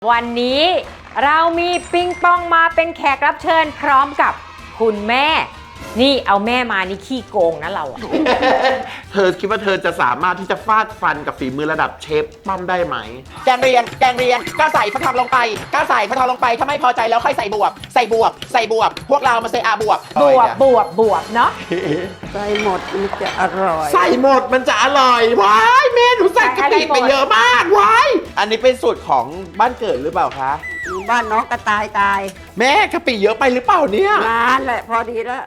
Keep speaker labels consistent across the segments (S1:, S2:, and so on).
S1: วันนี้เรามีปิงปองมาเป็นแขกรับเชิญพร้อมกับคุณแม่ นี่เอาแม่มานี่ขี้โกงนะเราอะ
S2: เธอคิดว่าเธอจะสามารถที่จะฟาดฟันกับฝีมือระดับเชฟปั้มได้ไหม
S3: แกงเรียนก็ใส่ฟักทองลงไปถ้าไม่พอใจแล้วค่อยใส่บวบ พวกเรามาใส่บวบเนาะ
S4: ใส่หมดมันจะอร่อย
S2: ใส่หมดมันจะอร่อยว้ายแม่หนูใส่กะปิไปเยอะมากว้ายอันนี้เป็นสูตรของบ้านเกิดหรือเปล่าคะ
S4: บ้านน้องกระต่ายตาย
S2: แม่กะปิเยอะไปหรือเปล่าเนี่ย
S4: นานแหละพอดีแล้ว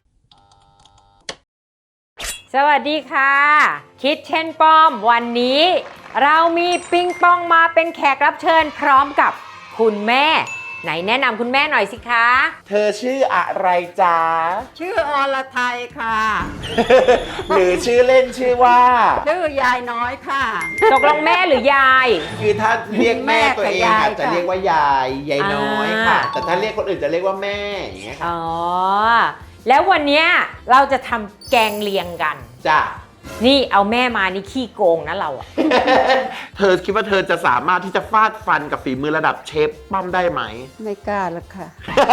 S1: สวัสดีค่ะคิดเช่นป้อมวันนี้เรามีปิงปองมาเป็นแขกรับเชิญพร้อมกับคุณแม่ ไหนแนะนำคุณแม่หน่อยสิคะ
S2: เธอชื่ออะไรจ๊ะ
S4: ชื่ออรไทยค่ะ
S2: หรือชื่อเล่นชื่อว่า
S4: ชื่อยายน้อยค่ะ
S1: ตกลงแม่หรือยาย
S2: คือถ้าเรียกแม่ตัวเอง
S4: แม่กับยาย
S2: จะเรียกว่ายายน้อยค่ะ
S1: อ่า
S2: แต่ถ้าเรียกคนอื่นจะเรียกว่าแม่อย่างเงี้ยค่ะ
S1: อ๋อแล้ววันเนี้ยเราจะทำแกงเลียงกัน
S2: จ้ะ
S1: นี่เอาแม่มานี่ขี้โกงนะเราอะ
S2: เธอคิดว่าเธอจะสามารถที่จะฟาดฟันกับฝีมือระดับเชฟปั้มได้ไหม
S4: ไม่กล้าแล้วค่ะ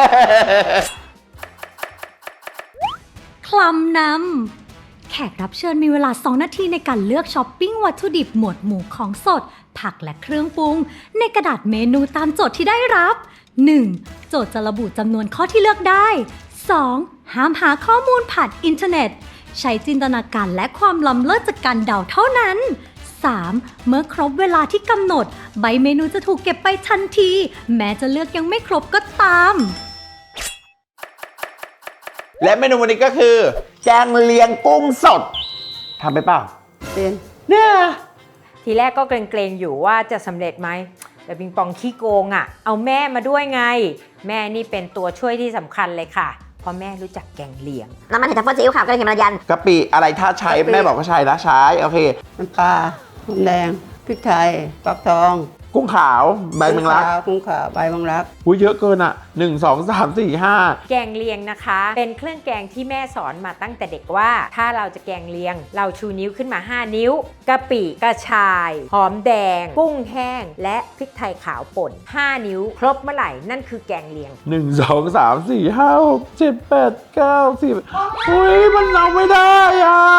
S5: คลำนำแขกรับเชิญมีเวลา 2 นาทีในการเลือกช้อปปิ้งวัตถุดิบหมวดหมู่ของสด ผักและเครื่องปรุง ในกระดาษเมนูตามโจทย์ที่ได้รับ 1. โจทย์จะระบุจำนวนข้อที่เลือกได้ 2. ห้ามหาข้อมูลผ่านอินเทอร์เน็ต ใช้จินตนาการและความล้ำเลิศจากการเดาเท่านั้น 3. เมื่อครบเวลาที่กำหนด ใบเมนูจะถูกเก็บไปทันที แม้จะเลือกยังไม่ครบก็ตาม
S2: และเมนูวันนี้ก็คือแกงเลียงกุ้งสดทำไปเปล่า
S4: เป็น
S2: เนี่ย
S1: ทีแรกก็เกรงๆอยู่ว่าจะสำเร็จไหมแต่ปิงปองขี้โกงอะเอาแม่มาด้วยไง แม่นี่เป็นตัวช่วยที่สำคัญเลยค่ะเพราะแม่รู้จักแกงเลียง
S6: น้ำมันเห็ดทัฟเฟิลซีอิ๊วขาวกระเทียมระยัน
S2: กะปิอะไรถ้าใช้แม่บอกก็ใช้นะใช้โอเค
S4: น้ำปลาหอมแดงพริกไทยฟักทอง
S2: กุ้งขาวใบแมงลัก
S4: กุ้งขาวใบแมงลัก
S2: อุ้ยเยอะเกินอ่ะ1 2 3 4 5
S1: แกงเลียงนะคะ เป็นเครื่องแกงที่แม่สอนมาตั้งแต่เด็กว่า ถ้าเราจะแกงเลียง เราชูนิ้วขึ้นมา5นิ้วกะปิกระชาย หอมแดง กุ้งแห้ง และพริกไทยขาวป่น5นิ้ว ครบเมื่อไหร่นั่นคือแกงเลียง
S2: 1 2 3 4 5 6 7 8 9 10อุ้ยมันเอาไม่ได้อ่ะ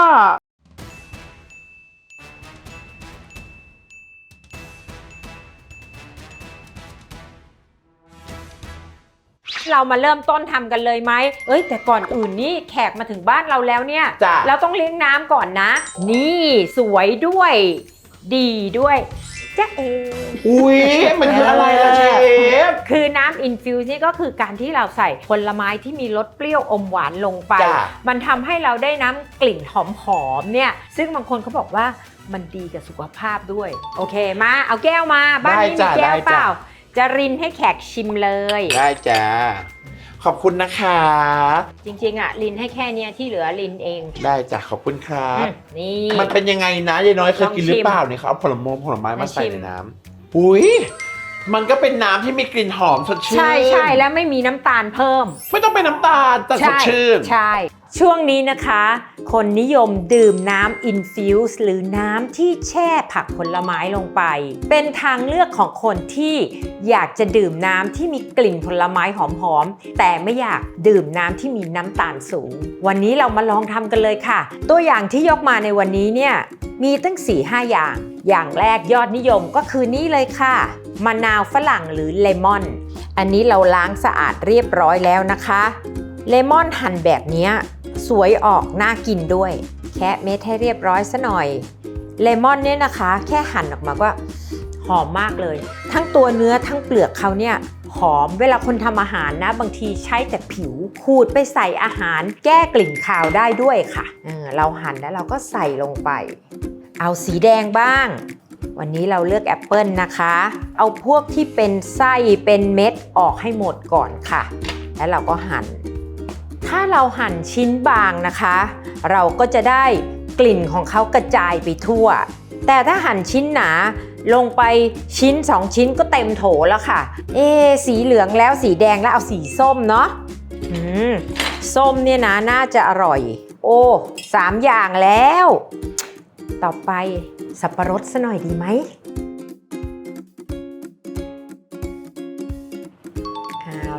S1: เรามาเริ่มต้นทำกันเลยไหมแต่ก่อนอื่นนี่แขกมาถึงบ้านเราแล้วเนี่ย
S2: จ้ะ
S1: เราต้องเลี้ยงน้ำก่อนนะ นี่สวยด้วย ดีด้วยจ๊ะเอ
S2: อุ้ยมันคืออะไรล่ะเชฟ
S1: คือน้ำอินฟิวส์นี่ก็คือการที่เราใส่ผลไม้ที่มีรสเปรี้ยวอมหวานลงไป
S2: จ้ะ
S1: มันทำให้เราได้น้ำกลิ่นหอมๆเนี่ย ซึ่งบางคนเขาบอกว่ามันดีกับสุขภาพด้วย โอเคมาเอาแก้วมาบ้านนี้มีแก้วเปล่า จะรินให้แขกชิมเลย
S2: ได้จ้าขอบคุณนะคะ
S1: จริงๆอ่ะลินให้แค่เนี้ยที่เหลือลินเอง
S2: ได้จ้ะขอบคุณครับ
S1: นี่
S2: มันเป็นยังไงนะยายน้อยเคยกินหรือเปล่า
S1: ลองชิม
S2: เนี่ยเขาเอาผลไม้มาใส่
S1: ชิม
S2: ในน้ำอุ้ยมันก็เป็นน้ำที่มีกลิ่นหอมสดชื่น
S1: ใช่แล้วไม่มีน้ำตาลเพิ่ม
S2: ไม่ต้องเป็นน้ำตาลแต่สดชื่น
S1: ใช่ ช่วงนี้นะคะ คนนิยมดื่มน้ำอินฟิวส์หรือน้ำที่แช่ผักผลไม้ลงไป เป็นทางเลือกของคนที่อยากจะดื่มน้ำที่มีกลิ่นผลไม้หอมๆแต่ไม่อยากดื่มน้ำที่มีน้ำตาลสูง วันนี้เรามาลองทำกันเลยค่ะ ตัวอย่างที่ยกมาในวันนี้เนี่ยมีตั้ง 4-5 อย่าง อย่างแรกยอดนิยมก็คือนี่เลยค่ะมะนาวฝรั่งหรือเลมอนอันนี้เราล้างสะอาดเรียบร้อยแล้วนะคะเลมอนหั่นแบบนี้สวยออกน่ากินด้วย แคะเม็ดให้เรียบร้อยซะหน่อยเลมอนเนี่ยนะคะแค่หั่นออกมาก็หอมมากเลย ทั้งตัวเนื้อทั้งเปลือกเขาเนี่ยหอมเวลาคนทำอาหารนะบางทีใช้แต่ผิวขูดไปใส่อาหารแก้กลิ่นคาวได้ด้วยค่ะเราหั่นแล้วเราก็ใส่ลงไปเอาสีแดงบ้างวันนี้เราเลือกแอปเปิลนะคะเอาพวกที่เป็นไส้เป็นเม็ดออกให้หมดก่อนค่ะแล้วเราก็หั่นถ้าเราหั่นชิ้นบางนะคะเราก็จะได้กลิ่นของเขากระจายไปทั่วแต่ถ้าหั่นชิ้นหนาลงไปชิ้น2ชิ้นก็เต็มโถแล้วค่ะสีเหลืองแล้วสีแดงแล้วเอาสีส้มเนาะส้มเนี่ยนะน่าจะอร่อยโอ้3อย่างแล้วต่อไปสับปะรดซะหน่อยดีไหม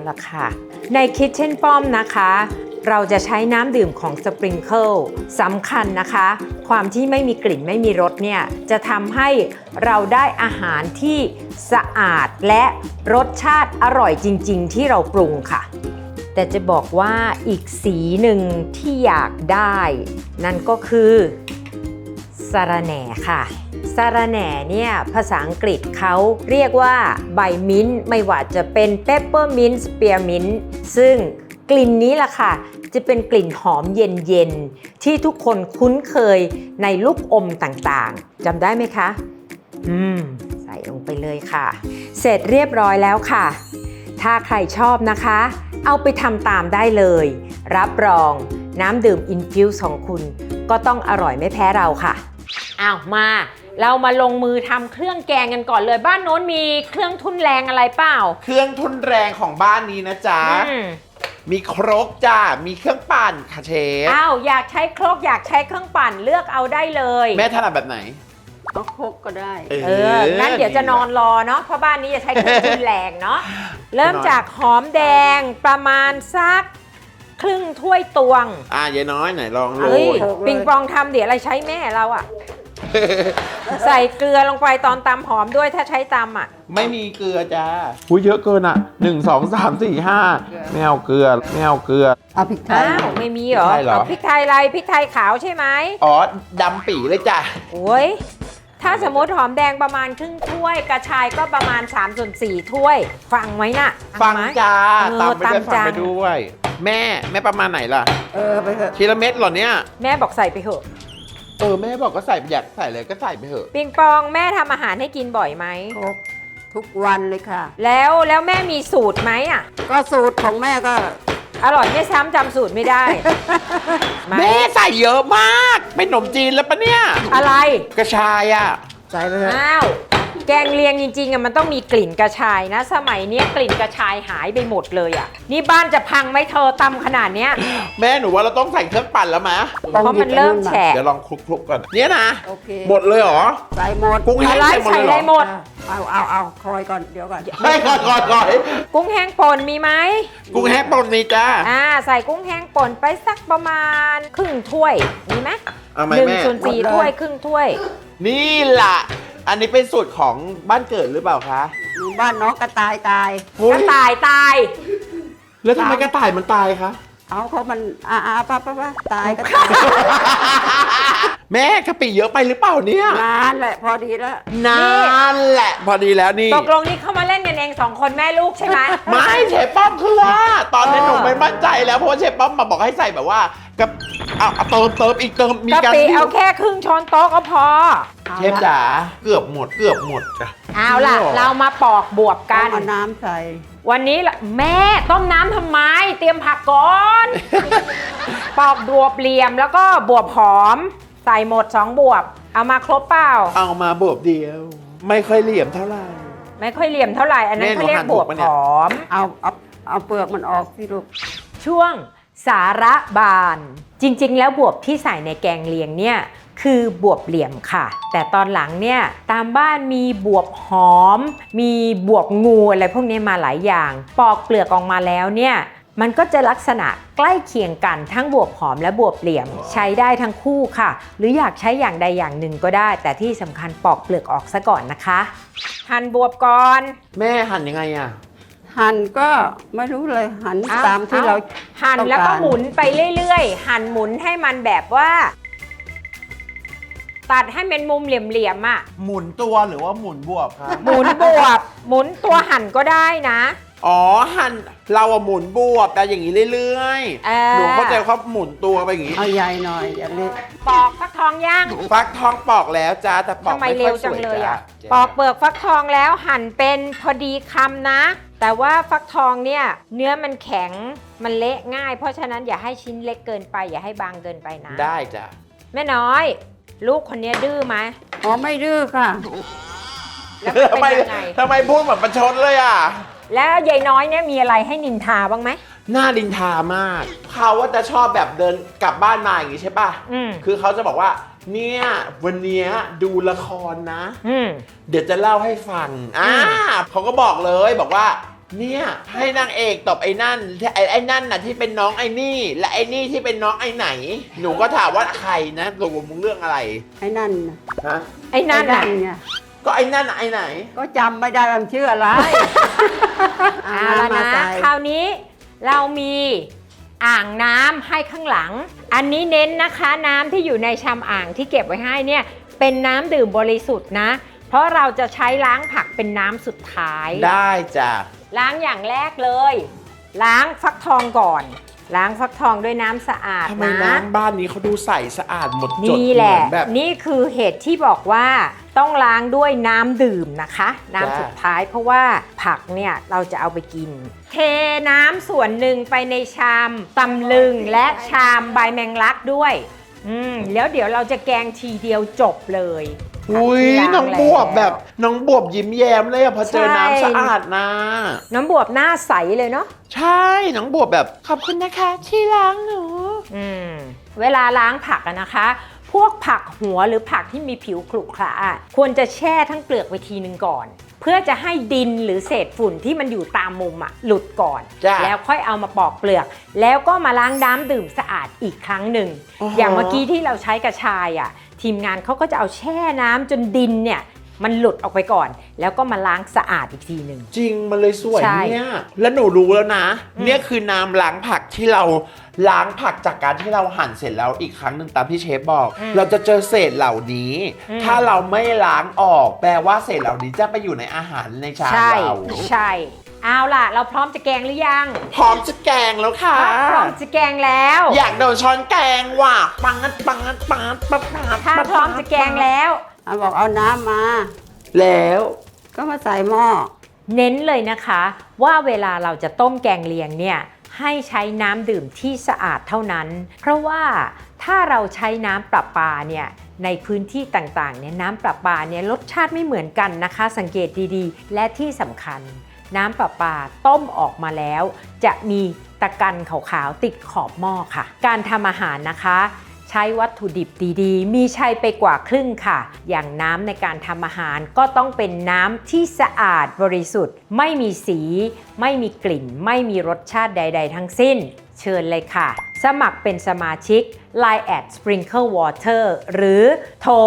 S1: ละค่ะใน Kitchen ป้อมนะคะเราจะใช้น้ำดื่มของ Sprinkle สำคัญนะคะความที่ไม่มีกลิ่นไม่มีรสเนี่ยจะทำให้เราได้อาหารที่สะอาดและรสชาติอร่อยจริงๆที่เราปรุงค่ะแต่จะบอกว่าอีกสีหนึ่งที่อยากได้นั่นก็คือสะระแหน่ค่ะสะระแหน่เนี่ยภาษาอังกฤษเขาเรียกว่าใบมิ้นท์ไม่ว่าจะเป็นเปปเปอร์มิ้นท์สเปียร์มิ้นท์ซึ่งกลิ่นนี้ล่ะค่ะจะเป็นกลิ่นหอมเย็นๆที่ทุกคนคุ้นเคยในลูกอมต่างๆจำได้ไหมคะใส่ลงไปเลยค่ะเสร็จเรียบร้อยแล้วค่ะถ้าใครชอบนะคะเอาไปทำตามได้เลยรับรองน้ำดื่มอินฟิวส์ของคุณก็ต้องอร่อยไม่แพ้เราค่ะอ้าวมาเรามาลงมือทำเครื่องแกงกันก่อนเลยบ้านโน้นมีเครื่องทุ่นแรงอะไรเปล่า
S2: เครื่องทุนแรงของบ้านนี้นะจ๊ะมีครกจ้ามีเครื่องปั่นค่ะเชฟ
S1: อ้าวอยากใช้ครกอยากใช้เครื่องปั่นเลือกเอาได้เลย
S2: แม่ถนัดแบบไหน
S4: ก็ครกก็ได้
S1: งั้นเดี๋ยวจะนอนรอเนาะเพราะบ้านนี้จะใช้เครื่องทุ่นแรงเนาะเริ่มจากหอมแดงประมาณสักครึ่งถ้วยตวง
S2: ยายน้อยไหนลองโร
S1: เฮ้ย
S2: ย
S1: ปิงปองทำเดี๋ยวอะไรใช้แม่เราอะ ใส่เกลือลงไปตอนตำหอมด้วยถ้าใช้ตำอะ
S2: ไม่มีเกลือจ้าอุ้ยเยอะเกินอ่ะ1 2 3 4 5ไม่เอาเกลือไม่เอาเกลือ
S4: เอาพริกไทย
S1: อ้าวไม่มีเหรอ พริกไทยอะไรพริกไทยขาวใช่ไหม
S2: อ๋อดำปี่เลยจ้ะ
S1: โอ้ยถ้าสมมติหอมแดงประมาณครึ่งถ้วยกระชายก็ประมาณ3/4 ถ้วยฟังไว้น่ะ
S2: ฟังจ้าตามไปด้วยฟังไปด้วยแม่ประมาณไหนล่ะ
S4: ไปเถอะ
S2: ทีละเม็ดเหรอเนี่ย
S1: แม่บอกใส่ไปเถอะ
S2: แม่บอกก็ใส่อยากใส่เลยก็ใส่ไปเถอะ
S1: ปิงปองแม่ทำอาหารให้กินบ่อยไหม
S4: ทุกวันเลยค่ะ
S1: แล้วแม่มีสูตรไหมอ่ะ
S4: ก็สูตรของแม่ก็
S1: อร่อยไม่ซ้ำจำสูตรไม่ได้
S2: แม่ใส่เยอะมากเป็นขนมจีนแล้วปะเนี่ย
S1: อะไร
S2: กระชายอ่ะ
S4: ใส่ไปเถอะ
S1: อ้าวแกงเลียงจริงๆอ่ะมันต้องมีกลิ่นกระชายนะสมัยนี้กลิ่นกระชายหายไปหมดเลยอ่ะนี่บ้านจะพังไหมเธอตำขนาดเนี้ย
S2: แม่หนูว่าเราต้องใส่เครื่องปั่นแล้วมั้ย
S1: เพราะมันเริ่มแฉะ
S2: เดี๋ยวลองคลุกๆก่อนเนี่ยนะหมดเลยเหรอ
S4: ใส่หมด
S2: กุ้งแห้ง
S1: ใส่อะไรหมด
S4: เอาคอยก่อนเดี๋ยวก่อน
S2: ไม่ก่อน
S1: กุ้งแห้งป่นมีไหม
S2: กุ้งแห้งป่นมีจ้า
S1: ใส่กุ้งแห้งป่นไปสักประมาณครึ่งถ้วยมีไหม1/4 ถ้วยครึ่งถ้วย
S2: นี่ล่ะอันนี้เป็นสูตรของบ้านเกิดหรือเปล่าคะ
S4: บ้านน้องกระต่ายตาย
S1: กระต่ายตาย
S2: แล้วทำไมกระต่ายมันตายคะ
S4: เขามันป้าตายก็ตาย
S2: แม่กะปิเยอะไปหรือเปล่าเนี่ย
S4: นานแหละพอดีแล้ว
S2: นานแหละพอดีแล้วนี่
S1: ตกลงนี่เข้ามาเล่นกันเอง2 คนแม่ลูกใช่ไหม
S2: ไม่เชฟป้อมคือว่าตอนนี้หนูไม่มั่นใจแล้วเพราะว่าเชฟป้อมมาบอกให้ใส่แบบว่ากับเติมอีกมี
S1: การกะปิเอาแค่ครึ่งช้อนโต๊ะก็พอ
S2: เชฟจ๋าเกือบหมดจ้ะ
S1: เอาล่ะเรามาปอกบวบกัน
S4: เอาน้ำใส่
S1: วันนี้แม่ต้มน้ำทำไมเตรียมผักก่อนปอกบวบเหลี่ยมแล้วก็บวบหอมใส่หมด2 บวบเอามาครบเปล่า
S2: เอามาบวบเดียวไม่ค่อยเหลี่ยมเท่าไหร่
S1: ไม่ค่อยเหลี่ยมเท่าไหร่อันนั้นเขาเรียกบวบหอม
S4: เอาเปลือกมันออกสิลูก
S1: ช่วงสาระบานจริงๆแล้วบวบที่ใส่ในแกงเลียงเนี่ยคือบวบเหลี่ยมค่ะแต่ตอนหลังเนี่ยตามบ้านมีบวบหอมมีบวบงูอะไรพวกนี้มาหลายอย่างปอกเปลือกออกมาแล้วเนี่ยมันก็จะลักษณะใกล้เคียงกันทั้งบวบหอมและบวบเหลี่ยมใช้ได้ทั้งคู่ค่ะหรืออยากใช้อย่างใดอย่างหนึ่งก็ได้แต่ที่สำคัญปอกเปลือกออกซะก่อนนะคะหั่นบวบก่อน
S2: แม่หั่นยังไงอะ
S4: หั่นก็ไม่รู้เลยหั่นตามที่เรา
S1: หั่นแล้วก็หมุนไปเรื่อยๆหั่นหมุนให้มันแบบว่าตัดให้เป็นมุมเหลี่ยมๆอ่ะ
S2: หมุนตัวหรือว่าหมุนบวบครับ
S1: หมุนบวบหมุนตัวหั่นก็ได้นะ
S2: อ๋อหั่นเราหมุนบวบแต่อย่างนี้เรื่อยๆหนูเข้าใจเขาหมุนตัวไปอย่างนี้
S4: เอาใหญ่หน่อยอย่างนี้
S1: ปอกฟักทองย่าง
S2: ฟักทองปอกแล้วจ้าแต่ปอกไม่ค่อยสวยจ้า
S1: ปอกเปลือกฟักทองแล้วหั่นเป็นพอดีคำนะแต่ว่าฟักทองเนี่ยเนื้อมันแข็งมันเละง่ายเพราะฉะนั้นอย่าให้ชิ้นเล็กเกินไปอย่าให้บางเกินไปนะ
S2: ได้จ้ะ
S1: แม่น้อยลูกคนนี้ดื้อไหม
S4: ไม่ดื้อค่ะ
S1: แล้วเป็นยังไง
S2: ทำไมพูดแบบประชดเลยอ่ะ
S1: แล้วยายน้อยเนี่ยมีอะไรให้นินทาบ้างไหม
S2: น่านินทามากเขาว่าจะชอบแบบเดินกลับบ้านมาอย่างนี้ใช่ป่ะคือเขาจะบอกว่าเนี่ยวันนี้ดูละครนะเดี๋ยวจะเล่าให้ฟังเขาก็บอกเลยบอกว่าเนี่ยให้นางเอกตบไอ้นั่นไอ้นั่นน่ะที่เป็นน้องไอ้นี่ และไอ้นี่ที่เป็นน้องไอ้ไหน หนูก็ถามว่าใครนะตกลงมึงเรื่องอะไร
S4: ไอ้นั่นน่ะ
S2: ฮะ
S1: ไอ้นั่น
S4: ไอ้
S1: น่ะ
S4: ไง
S2: ก็ไอ้นั่นน่ะไอ้ไหน
S4: ก็จำไม่ได้ว่ามันชื่ออะไร
S1: เอาละ
S4: มา
S1: นะ
S4: ใส่
S1: คราวนี้เรามีอ่างน้ำให้ข้างหลัง อันนี้เน้นนะคะน้ำที่อยู่ในชามอ่างที่เก็บไว้ให้เนี่ยเป็นน้ำดื่มบริสุทธิ์นะ เพราะเราจะใช้ล้างผักเป็นน้ำสุดท้าย
S2: ได้จ้ะ
S1: ล้างอย่างแรกเลย ล้างฟักทองก่อน ล้างฟักทองด้วยน้ำสะอาด
S2: ทำไม
S1: นะ
S2: น้ำบ้านนี้เขาดูใสสะอาดหมดจด
S1: นี่แหละ
S2: เมือนแบบ
S1: นี่คือเหตุที่บอกว่าต้องล้างด้วยน้ำดื่มนะคะ น้ำสุดท้ายเพราะว่าผักเนี่ยเราจะเอาไปกิน เทน้ำส่วนหนึ่งไปในชามตำลึงและชามใบแมงลักด้วยแล้วเดี๋ยวเราจะแกงทีเดียวจบเลย
S2: อุ้ย
S1: ที่ล้า
S2: น้องบวบแบบน้องบวบยิ้มแย้มเลยอะพอเจอ
S1: ใช่
S2: น้ำสะอาดนะ
S1: น้ำบวบหน้าใสเลยเนาะ
S2: ใช่น้องบวบแบบขอบคุณนะคะที่ล้างหนู
S1: เวลาล้างผักอะนะคะ พวกผักหัวหรือผักที่มีผิวขรุขระอะควรจะแช่ทั้งเปลือกไว้ทีนึงก่อน เพื่อจะให้ดินหรือเศษฝุ่นที่มันอยู่ตามมุมอะหลุดก่อน
S2: จ้ะ
S1: แล้วค่อยเอามาปอกเปลือก แล้วก็มาล้างน้ำดื่มสะอาดอีกครั้งหนึ่ง อย่างเมื่อกี้ที่เราใช้กระชายอะทีมงานเขาก็จะเอาแช่น้ำจนดินเนี่ยมันหลุดออกไปก่อน แล้วก็มาล้างสะอาดอีกทีหนึ่ง
S2: จริงมันเลยสวย
S1: ใช่
S2: เนี่ยแล้วหนูรู้แล้วนะ เนี่ยคือน้ำล้างผักที่เราล้างผักจากการที่เราหั่นเสร็จแล้วอีกครั้งหนึ่งตามที่เชฟบอก เราจะเจอเศษเหล่านี้ ถ้าเราไม่ล้างออกแปลว่าเศษเหล่านี้จะไปอยู่ในอาหารในชาม
S1: ใช่
S2: เรา
S1: ใช่เอาล่ะ เราพร้อมจะแกงหรือยัง
S2: พร้อมจะแกงแล้วค่ะ
S1: พร้อมจะแกงแล้ว
S2: อยากโดนช้อนแกงว่ะปังปังปังปังปัง
S1: ถ้าพร้อมจะแกงแล้ว
S4: เอาบอกเอาน้ำมา
S2: แล้ว
S4: ก็มาใส่หม้อ
S1: เน้นเลยนะคะว่าเวลาเราจะต้มแกงเลียงเนี่ยให้ใช้น้ำดื่มที่สะอาดเท่านั้น เพราะว่าถ้าเราใช้น้ำประปาเนี่ยในพื้นที่ต่างๆเนี่ยน้ำประปาเนี่ยรสชาติไม่เหมือนกันนะคะ สังเกตดีๆ และที่สำคัญน้ำประปาต้มออกมาแล้ว จะมีตะกันขาวๆติดขอบหม้อค่ะ การทำอาหารนะคะใช้วัตถุดิบดีๆ มีใช้ไปกว่าครึ่งค่ะ อย่างน้ำในการทำอาหารก็ต้องเป็นน้ำที่สะอาดบริสุทธิ์ ไม่มีสี ไม่มีกลิ่น ไม่มีรสชาติใด ๆ ทั้งสิ้น เชิญเลยค่ะ สมัครเป็นสมาชิก Line @Sprinkle Water หรือโทร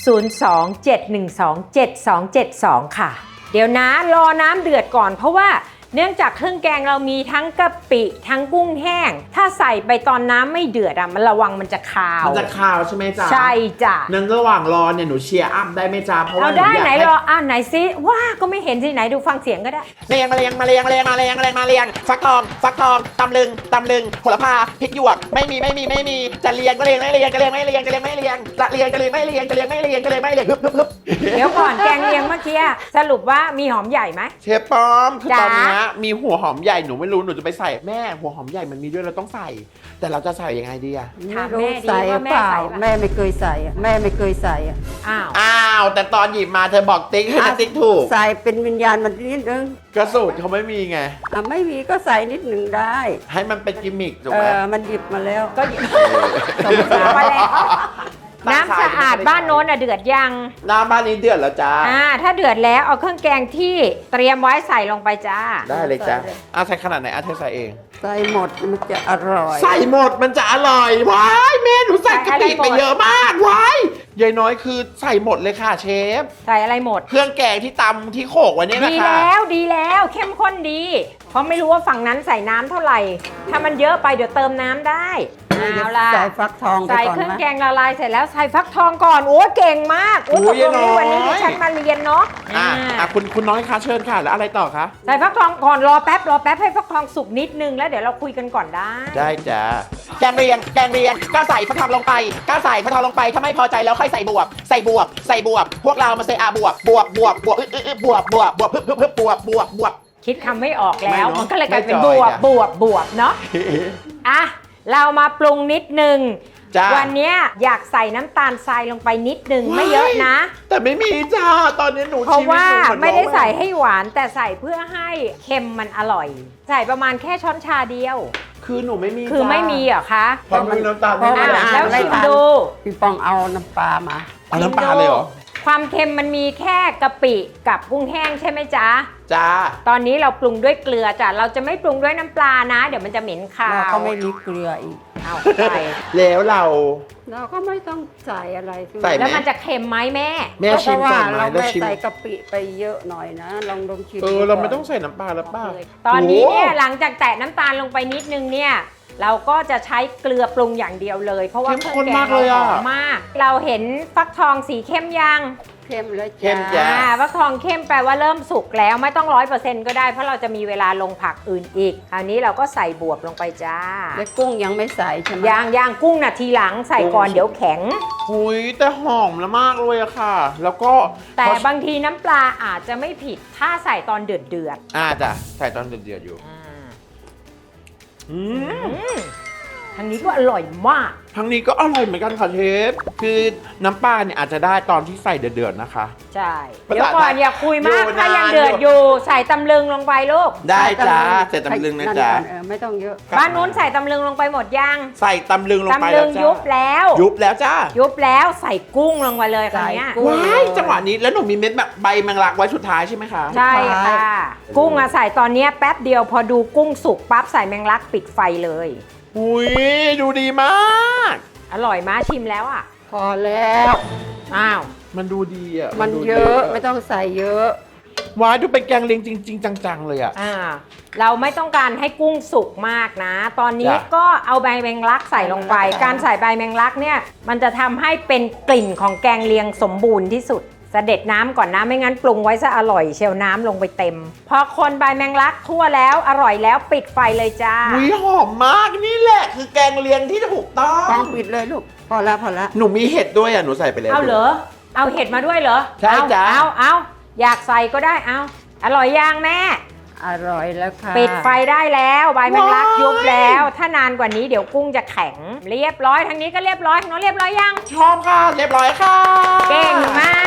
S1: 027127272 ค่ะ เดี๋ยวนะรอน้ำเดือดก่อนเพราะว่าเนื่องจากเครื่องแกงเรามีทั้งกะปิทั้งกุ้งแห้ง ถ้าใส่ไปตอนน้ำไม่เดือดมันระวังมันจะคาว
S2: มันจะคาวใช่ไหมจ๊ะ
S1: ใช่จ้ะ
S2: นั้นระหว่างรอเนี่ยหนูเชียร์อัพได้ไหมจ๊ะเพราะ
S1: เอา
S2: ว่าหนู
S1: ได้
S2: อยาก
S1: ไหน
S2: ให้
S1: รอไหนซิว้าก็ไม่เห็นสิไหนดูฟังเสียงก็ได้
S3: มาเรียงฟักทองตำลึงโหระพาพริกหยวกไม่มีจะเรียงก็เรียงไม่เรียงจะเรียงไม่เรียงจะเรียงไม่เรียงจะเรียงก็เรียงไม่เรียงจะเรียงไม่เรียงจะเรียงไม่เรียงฮึบ
S1: เดี๋ยวก่อนแกงเลียงเมื่อกี้สรุปว่ามีหอมใหญ่ไหม
S2: เชฟป้อมคือ
S1: จ๊ะ
S2: ตอนเนี้ยมีหัวหอมใหญ่หนูไม่รู้หนูจะไปใส่แม่หัวหอมใหญ่มันมีด้วยเราต้องใส่ แต่เราจะใส่ยังไงดีอะ
S1: ถาม
S4: ไม่รู้
S1: แม่ดิ
S4: ใส่
S1: ว่า
S4: เปล่า
S1: แม่ใส่ปะ
S4: แม่ไม่เคยใส่อะแม่ไม่เคยใส่อะ
S1: อ้าว
S2: อ้าวแต่ตอนหยิบมาเธอบอกติ๊กให้นะติ๊กถูก
S4: ใส่เป็นวิญญาณมันนิดนึง
S2: กระสูตรเขาไม่มีไง
S4: ไม่มีก็ใส่นิดหนึ่งได้
S2: ให้มันเป็นกิมมิคถูกไหม
S4: มันหยิบมาแล้ว
S1: ก็หยิบมาแล้วน้ำสะอาดบ้านโน้นเดือดยัง
S2: น้ำบ้านนี้เดือดแล้วจ้า
S1: ถ้าเดือดแล้วเอาเครื่องแกงที่เตรียมไว้ใส่ลงไปจ้า
S2: ได้เลยจ้า
S4: ใส่เลย
S2: ใส่ขนาดไหนเธอใส่เอง
S4: ใส่หมดมันจะอร่อย
S2: ใส่หมดมันจะอร่อยว้ายแม่หนูใส่กะปิไปเยอะมากว้ายยายน้อยคือใส่หมดเลยค่ะเชฟ
S1: ใส่อะไรหมด
S2: เครื่องแกงที่ตำที่โขกไว้เนี่ย
S1: ดี
S2: นะคะ
S1: แล้วดีแล้วเข้มข้นดี เพราะไม่รู้ว่าฝั่งนั้นใส่น้ำเท่าไหร่ ถ้ามันเยอะไปเดี๋ยวเติมน้ำได้เอาล่ะ
S4: ใส่ฟักทองไป
S1: ใส่
S4: ก่อน
S1: เครื่อง
S4: นะ
S1: แกงละลายเสร็จแล้วใส่ฟักทองก่อนโอ้เก่งมากโอ้ตกลงนี้วันนี้ดิฉันมาเรียนเนาะ
S2: คุณน้อยคะเชิญค่ะแล้วอะไรต่อคะ
S1: ใส่ฟักทองก่อนรอแป๊บให้ฟักทองสุกนิดนึงแล้วเดี๋ยวเราคุยกันก่อนได้
S2: ได้จ้า
S3: แกงเรียงก็ใส่ฟักทองลงไปถ้าไม่พอใจแล้วค่อยใส่บวบพวกเรามาเซอาบวบ
S1: คิดคำไม่ออกแล้ว
S2: ไม่เนอะ
S1: มันก็เลยกลายเป็น
S2: ไม่
S1: บ
S2: จอยว
S1: บ
S2: จ้ะ
S1: บวบเนาะอ่ะเรามาปรุงนิดนึง
S2: จ้า
S1: วันเนี้ยอยากใส่น้ำตาลทรายลงไปนิดนึงไม่เยอะนะ
S2: แต่ไม่มีจ้าตอนนี้หนู
S1: เพราะว่า
S2: ชีวิตหนูเหอน
S1: ไม่ได้
S2: น้อง
S1: ใส่ให้หวานแต่ใส่เพื่อให้เค็มมันอร่อย ใส่ประมาณแค่ช้อนชาเดียว
S2: คือหนูไม่มี
S1: คือไม่มีเหรอคะ
S2: เพราะมันน้ำตาลไม่
S4: เพราะ
S2: ได้
S4: มัน
S1: แล้วชิมดู
S4: พี่ปองเอาน้ำปลามา
S2: เอาน้ำปลาเลยเหรอ
S1: ความเค็มมันมีแค่กะปิกับกุ้งแห้งใช่ไหมจ๊ะ
S2: จ้า
S1: ตอนนี้เราปรุงด้วยเกลือจ้ะเราจะไม่ปรุงด้วยน้ำปลานะ เดี๋ยวมันจะเหม็นคา
S4: เรา
S1: ว
S4: ก็ไม่มีเกลืออีก
S1: เอาไป
S2: แล้วเรา
S4: เราก็ไม่ต้องใส่อะไร
S2: ใส่ไห
S1: แล้วมันจะเค็มไหมแม่
S2: แม่ชิม
S4: เพราะ
S2: ก่
S4: ว่า
S2: อนไหม
S4: เรา
S2: แล้ว
S4: ไม่
S2: ชิม
S4: ใส่กะปิไปเยอะหน่อยนะลองชิม
S2: เรา
S4: ดู
S2: ไม่
S4: ก่น
S2: ต้องใส่น้ำปลาแล้วป่ะ
S1: ตอนนี้เนี่ย
S2: โอ้
S1: หลังจากแตะน้ำตาลลงไปนิดนึงเนี่ยเราก็จะใช้เกลือปรุงอย่างเดียวเลย เพราะว่า
S2: เข้ม
S1: เครื่
S2: ข้
S1: อน งแก
S2: มาง ก
S1: เรา
S2: เลย
S1: ห
S2: อะ
S1: อมมาก เราเห็นฟักทองสีเข้มยัง
S4: เข้มแล้ว
S2: เข้ม
S4: จ้า
S2: จ้ะ
S1: ฟักทองเข้มแปลว่าเริ่มสุกแล้วไม่ต้อง100%ก็ได้เพราะเราจะมีเวลาลงผักอื่นอีกคราวนี้เราก็ใส่บวบลงไปจ้า
S4: แล้วกุ้งยังไม่ใส่ใช่ไหม
S1: ย่างกุ้งน่ะทีหลังใส่ก่อนเดี๋ยวแข็ง
S2: หุยแต่หอมแล้วมากเลยอะค่ะ แล้วก็
S1: แต่บางทีน้ำปลาอาจจะไม่ผิดถ้าใส่ตอนเดือด
S2: จ้ะใส่ตอนเดือดๆอยู่ อืม
S1: ทางนี้ก็อร่อยมาก
S2: ทั้งนี้ก็อร่อยเหมือนกันค่ะเชฟ คือน้ำปลาเนี่ยอาจจะได้ตอนที่ใส่เดือดๆนะคะ
S1: ใช่
S2: ภาษา
S1: เดี๋ยวก่อนอย่าคุยมาก
S2: อยู่
S1: ถ้ายัง
S2: นาน
S1: เดือดอยู่ใส่ตำลึงลงไปลูก
S2: ได้จ้าใส่ตำลึงนะจ๊ะ
S4: ไม่ต้องเยอะ
S1: บ้านนู้นใส่ตำลึงลงไปหมดยัง
S2: ใส่ตำลึงลงไป
S1: ตำลึ
S2: แล้ว
S1: ง
S2: จ้า
S1: ยุบแล้ว
S2: ยุบแล้วจ้า
S1: ยุบแล้วใส่กุ้งลงไปเลยคราวเนี้ย
S4: ใส่กุ้ง
S2: ว้ายจังหวะนี้แล้วหนูมีเม็ดแบบใบแมงลักไว้สุดท้ายใช่ไหมคะ
S1: ใช่ค่ะ กุ้งอะใส่ตอนเนี้ยแป๊บเดียวพอดูกุ้งสุกปั๊บใส่แมงลักปิดไฟเลย
S2: อุ้ยดูดีมาก
S1: อร่อยมาชิมแล้วอ่ะ
S4: พอแล้ว
S1: อ้าว
S2: มันดูดีอ่ะ
S4: มัน
S2: ดู
S4: เย
S2: ดี
S4: อะไม่ต้องใส่เยอะ
S2: ว้ายดูเป็นแกงเลียงจริง ๆ จัง ๆ เลยอ่ะ
S1: เราไม่ต้องการให้กุ้งสุกมากนะ ตอนนี้
S2: จ้ะ
S1: ก็เอาใบแมงลักใส่ลงไป การใส่ใบแมงลักเนี่ยมันจะทำให้เป็นกลิ่นของแกงเลียงสมบูรณ์ที่สุดเสด็จน้ำก่อนนะไม่งั้นปรุงไว้ซะอร่อยเชียวน้ำลงไปเต็ม พอคนใบแมงลักทั่วแล้วอร่อยแล้วปิดไฟเลยจ้า
S2: อุ้ยหอมมากนี่แหละ คือแกงเลียงที่ถูกต้อง
S4: ต้องปิดเลยลูก พอแล้วพอแล้ว
S2: หนูมีเห็ดด้วยอ่ะหนูใส่ไปแล้ว
S1: เอาเหรอเอาเห็ดมาด้วยเหรอ
S2: ใช่จ้ะ
S1: เอาอยากใส่ก็ได้เอาอร่อยย่างแม่
S4: อร่อยแล้วค่ะ
S1: ปิดไฟได้แล้วใบแมงลักยุบแล้ว ถ้านานกว่านี้เดี๋ยวกุ้งจะแข็งเรียบร้อยทางนี้ก็เรียบร้อยทางโน้นเรียบร้อยยัง
S2: ชอบค่ะเรียบร้อยค่ะ
S1: เก่งมาก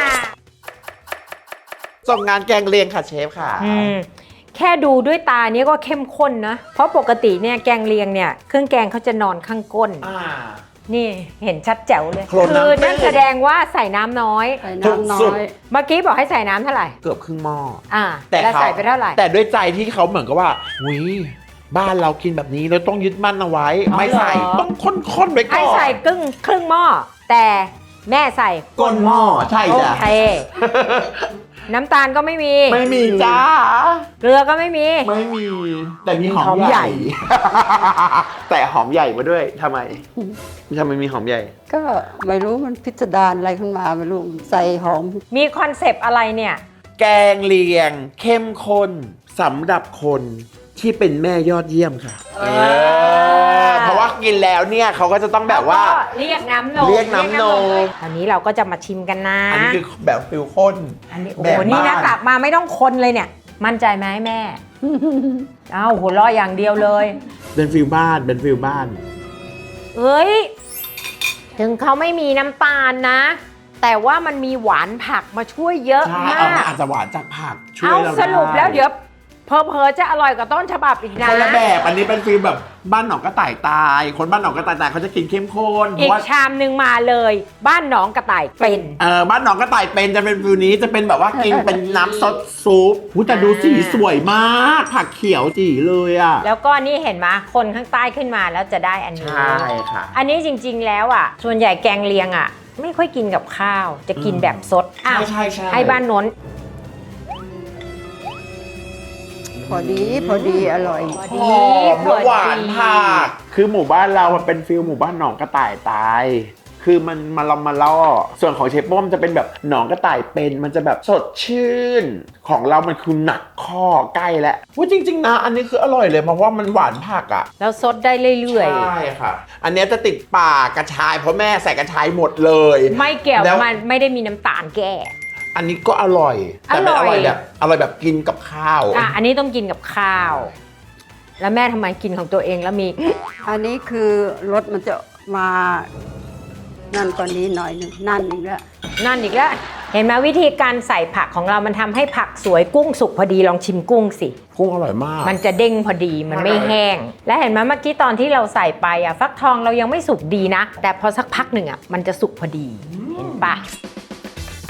S2: ส่งงานแกงเลียงค่ะเชฟค่ะ
S1: แค่ดูด้วยตาเนี้ยก็เข้มข้นนะ เพราะปกติเนี่ยแกงเลียงเนี่ยเครื่องแกงเขาจะนอนข้างก้น นี่เห็นชัดแจ๋วเลย
S2: โคลนน้ำ
S1: คือนั่นแสดงว่าใส่น้ำน้อย
S4: ใส่น้ำน้
S2: สุ
S4: อ
S2: ด
S4: ย
S1: เมื่อกี้บอกให้ใส่น้ำเท่าไหร่
S2: เกือบครึ่งหม้อ
S1: แต่แล้วใส่ไปเท่าไหร่
S2: แต่ด้วยใจที่เขาเหมือนกับว่าวิบ้านเรากินแบบนี้เราต้องยึดมั่นเอาไว้
S1: อ๋อ
S2: ไม่ใส่
S1: เหรอ
S2: ต้องข้นๆไว้ก่
S1: ให้
S2: อน
S1: ใส่ครึ่งหม้อแต่แม่ใส่
S2: ก้นหม้อใช่
S1: โอ
S2: จ้ะ
S1: เค น้ำตาลก็ไม่มี
S2: ไม่มีจ้า
S1: เกลือก็ไม่มี
S2: ไม่มี แต่มีหอ
S1: หอ
S2: ม
S1: ม
S2: ให
S1: ใหญ่
S2: ญ่ แต่หอมใหญ่มาด้วยทำไมมีหอมใหญ่
S4: ก็ไม่รู้มันพิสดารอะไรขึ้นมาไม่รู้ใส่หอม
S1: มีคอนเซปต์อะไรเนี่ย
S2: แกงเลียง เข้มข้นสำหรับคนที่เป็นแม่ยอดเยี่ยมค่ะเพราะว่ากินแล้วเนี่ยเขาก็จะต้องแบบว่า
S1: แล้วก็เรียกน้ำนม
S2: เรียกน้ำนม
S1: อันนี้เราก็จะมาชิมกันนะ
S2: อันนี้คือแบบฟิลข้น
S1: อันนี้โอ้
S2: แบบ
S1: โหนี่นะ
S2: บ้าน
S1: กลับมาไม่ต้องคนเลยเนี่ย มั่นใจไหมแม่ เอ้าหัวเราะอย่างเดียวเลย
S2: เป็นฟิลบ้านเป็นฟิลบ้าน
S1: เอ้ย ถึงเขาไม่มีน้ำตาลนะ แต่ว่ามันมีหวานผักมาช่วยเยอะ
S2: ใช่
S1: มา
S2: เอา
S1: ก
S2: มาอาจจะหวานจากผักช่วย
S1: เอา
S2: เรา
S1: สรุปแล้ว
S2: ได้
S1: เดี๋ยวเพอๆจะอร่อยกว่าต้นฉบับอีกนะ
S2: คนละแบบอันนี้เป็นฟิลแบบบ้านหนองกระต่ายตาย คนบ้านหนองกระต่ายตายเขาจะกินเข้มข้นเพ
S1: อี
S2: ราะ
S1: ก
S2: ว่า
S1: ชามหนึ่งมาเลย บ้านหนองกระต่ายเป็น
S2: บ้านหนองกระต่ายเป็นจะเป็นฟิลนี้จะเป็นแบบว่ากินเป็นน้ำซดซุปหูแต่ดูสีสวยมาก ผักเขียวจีเลยอ่ะ
S1: แล้วก็นี่เห็นไหมคนข้างใต้ขึ้นมาแล้วจะได้อันนี้
S2: ใช่ค่ะ
S1: อันนี้จริงๆแล้วอ่ะ ส่วนใหญ่แกงเลียงอ่ะ ไม่ค่อยกินกับข้าว จะกินแบบสดอ้าว
S2: ใช่
S1: ให้บ้านโน้น
S4: พอดีอร่อย
S1: พอ
S2: ห
S1: ดี
S2: อมและหวานผักคือหมู่บ้านเรามันเป็นฟิลหมู่บ้านหนองกระต่ายตาย คือมันมาลอมมาล่อส่วนของเชฟป้อมจะเป็นแบบหนองกระต่ายเป็นมันจะแบบสดชื่น ของเรามันคือหนักข้อใกล้แล้วว่าจริงๆนะอันนี้คืออร่อยเลยเพราะว่ามันหวานผักอ่ะ
S1: แล้วสดได้เรื่อย
S2: ใช่ค่ะ อันเนี้ยจะติดปากกระชายเพราะแม่ใส่กระชายหมดเลย
S1: ๆ ไม่เกี่ยว
S2: แล้ว
S1: มันไม่ได้มีน้ำตาลแก้
S2: อันนี้ก็อร่อยแต่เป็น
S1: อร่อย
S2: อร่อยแบบกินกับข้าว
S1: อันนี้ต้องกินกับข้าว แล้วแม่ทำไมกินของตัวเองแล้วมี
S4: อันนี้คือรสมันจะมานั่นกว่านี้หน่อยหนึงนั่นอีกแล้ว
S1: นั่นอีกแล้ว เห็นไหมวิธีการใส่ผักของเรามันทำให้ผักสวยกุ้งสุกพอดีลองชิมกุ้งสิ
S2: กุ้งอร่อยมาก
S1: มันจะเด้งพอดีมันไม่แห้ง และเห็นไหมเมื่อกี้ตอนที่เราใส่ไปอ่ะฟักทองเรายังไม่สุกดีนะ แต่พอสักพักหนึ่งอ่ะมันจะสุกพอดีเห็นปะ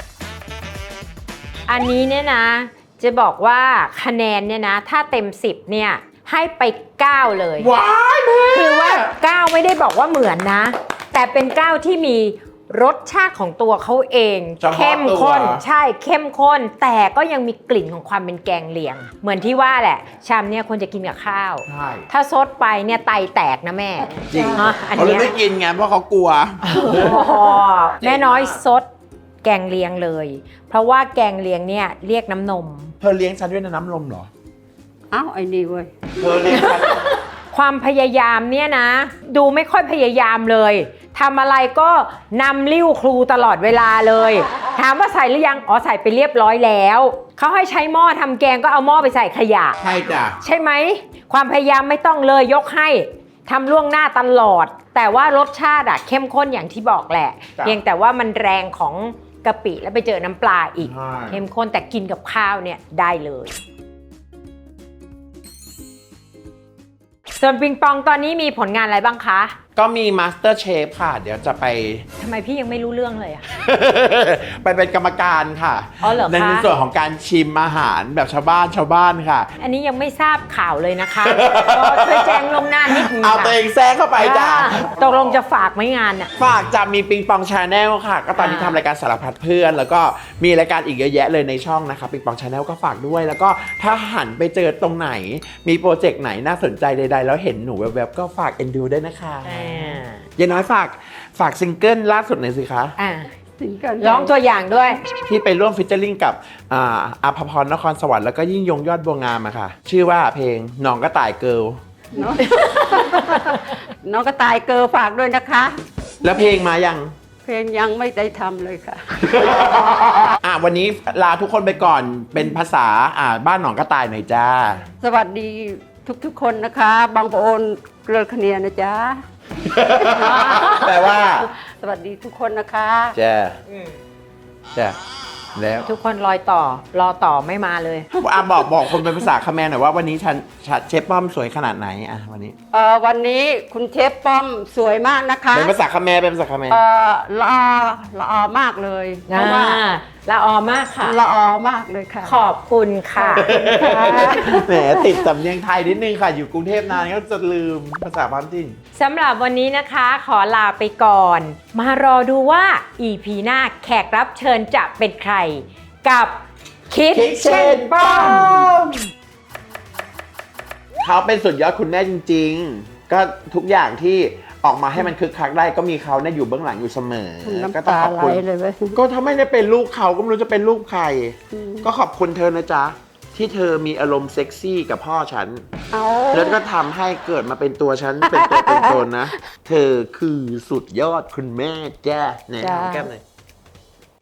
S1: อันนี้เนี่ยนะ จะบอกว่าคะแนนเนี่ยนะ ถ้าเต็ม 10เนี่ยให้ไป 9 เลย
S2: ว้ายแม่
S1: คือว่า 9 ไม่ได้บอกว่าเหมือนนะ แต่เป็น 9 ที่มีรสชาติของตัวเขาเอง
S2: เฉพาะ
S1: เข้มข้น
S2: ตัว
S1: ใช่เข้มข้น แต่ก็ยังมีกลิ่นของความเป็นแกงเลียง เหมือนที่ว่าแหละ ชามเนี่ยควรจะกินกับข้าว
S2: ใช่
S1: ถ้าซดไปเนี่ยไตแตกนะแม่
S2: จริง
S1: เนาะอัน
S2: เขาเลย
S1: เนี้ย
S2: ไม่กินไงเพราะเขากลัว
S1: อ๋อแม่น้อยซดแกงเลียงเลย เพราะว่าแกงเลียงเนี่ยเรียกน้ำนม
S2: เธอเลี้ยงฉันด้วยน้ำลมเหรอ
S4: เอ้าไอ้นี่เว้ย
S2: เธอเลี้ยงฉัน
S1: ความพยายามเนี่ยนะ ดูไม่ค่อยพยายามเลยทำอะไรก็นำลิ้วครูตลอดเวลาเลย ถามว่าใส่หรือยังอ๋อใส่ไปเรียบร้อยแล้วเขาให้ใช้หม้อทำแกงก็เอาหม้อไปใส่ขยะ
S2: ใช่จ้ะ
S1: ใช่ไหมความพยายามไม่ต้องเลยยกให้ทำล่วงหน้าตลอด แต่ว่ารสชาติอะเข้มข้นอย่างที่บอกแหละ
S2: จ้ะ
S1: เพียงแต่ว่ามันแรงของกะปิแล้วไปเจอน้ำปลาอีก
S2: ใช่
S1: เข้มข้นแต่กินกับข้าวเนี่ยได้เลยส่วนปิงปองตอนนี้มีผลงานอะไรบ้างคะ
S2: ก็มี Master Chef ค่ะ เดี๋ยวจะไป
S1: ทำไมพี่ยังไม่รู้เรื่องเลยอะ
S2: ไปเป็นกรรมการค่ะ
S1: อ๋อเหรอคะ
S2: ในส่วนของการชิมอาหารแบบชาวบ้านค่ะ
S1: อันนี้ยังไม่ทราบข่าวเลยนะคะ ก็ช่วยแจ้งล่วงหน้านิดนึง
S2: เอา
S1: ค่ะ
S2: ตัวเองแทรกเข้าไปจ้ะ
S1: ตกลงจะฝากไหมงานอะ
S2: ฝากจะมีปิงปองชาแนลค่ะ ก็ตอนนี้ทำรายการสารพัดเพื่อน แล้วก็มีรายการอีกเยอะแยะเลยในช่องนะคะปิงปองชาแนลก็ฝากด้วย แล้วก็ถ้าหันไปเจอตรงไหน มีโปรเจกต์ไหนน่าสนใจใดๆ แล้วเห็นหนูแวบๆก็ฝากเอ็นดูด้วยนะคะยายน้อยฝากซิงเกิลล่าสุดหน่อยสิคะ
S1: อ่า
S4: สิงเกิล
S1: ร้องตัวอย่างด้วย
S2: ที่ไปร่วมฟิชเจอริงกับอาภพรนครสวรรค์แล้วก็ยิ่งยงยอดบัวงามอะค่ะ ชื่อว่าเพลงหนองกระต่ายเกิล
S4: เนาะ น้องกระต่ายเกอฝากด้วยนะคะ
S2: แล้วเพลงมายัง
S4: เพลงยังไม่ได้ทำเลยค่ะ
S2: วันนี้ลาทุกคนไปก่อนเป็นภาษาบ้านหนองกระต่ายหน่อยจ้า
S4: สวัสดีทุกๆคนนะคะ บางปะโอนเกลือคะเนียนะจ๊ะ
S2: แปลว่า
S4: สวัสดีทุกคนนะคะ
S2: จ้าจ้าแล้ว
S1: ทุกคนรอต่อไม่มาเลย
S2: บอกคนเป็นภาษาคาแมนหน่อยว่าวันนี้ฉันเชฟป้อมสวยขนาดไหนวันนี้
S4: วันนี้คุณเชฟป้อมสวยมากนะคะ
S2: เป็นภาษาคาแมนเป็นภาษาคาแมน
S4: ละออมากเลยเพ
S1: อ่า
S4: ราะว่า
S1: ละออมากค่ะ
S4: ละออมากเลยค่ะ
S1: ขอบคุณค่ะ
S2: แหมติดสำเนียงไทยนิดนึงค่ะ อยู่กรุงเทพนานก็จะลืมภาษาพื้นถิ่น
S1: สำหรับวันนี้นะคะขอลาไปก่อน มารอดูว่า EP หน้าแขกรับเชิญจะเป็นใคร กับคิดเช่นป้อม
S2: เขาเป็นสุดยอดคุณแม่จริงๆ ก็ทุกอย่างที่ออกมาให้มันคึกคักได้ก็มีเขาเนี่ยอยู่เบื้องหลังอยู่เสมอ
S4: น้ำ
S2: ก็ต้อง
S4: ตา
S2: ขอบ
S4: ไหล
S2: คุณ
S4: เลยเว้ย
S2: ก็ถ้าไม่ได้เป็นลูกเขาก็ไม่รู้จะเป็นลูกใคร ก็ขอบคุณเธอนะจ๊ะ ที่เธอมีอารมณ์เซ็กซี่กับพ่อฉัน
S4: เอา
S2: แล้วก็ทำให้เกิดมาเป็นตัวฉัน เป็นตัวเป็นตนนะ เธอคือสุดยอดคุณแม่จ้าไหนหอมแก้มหน่อย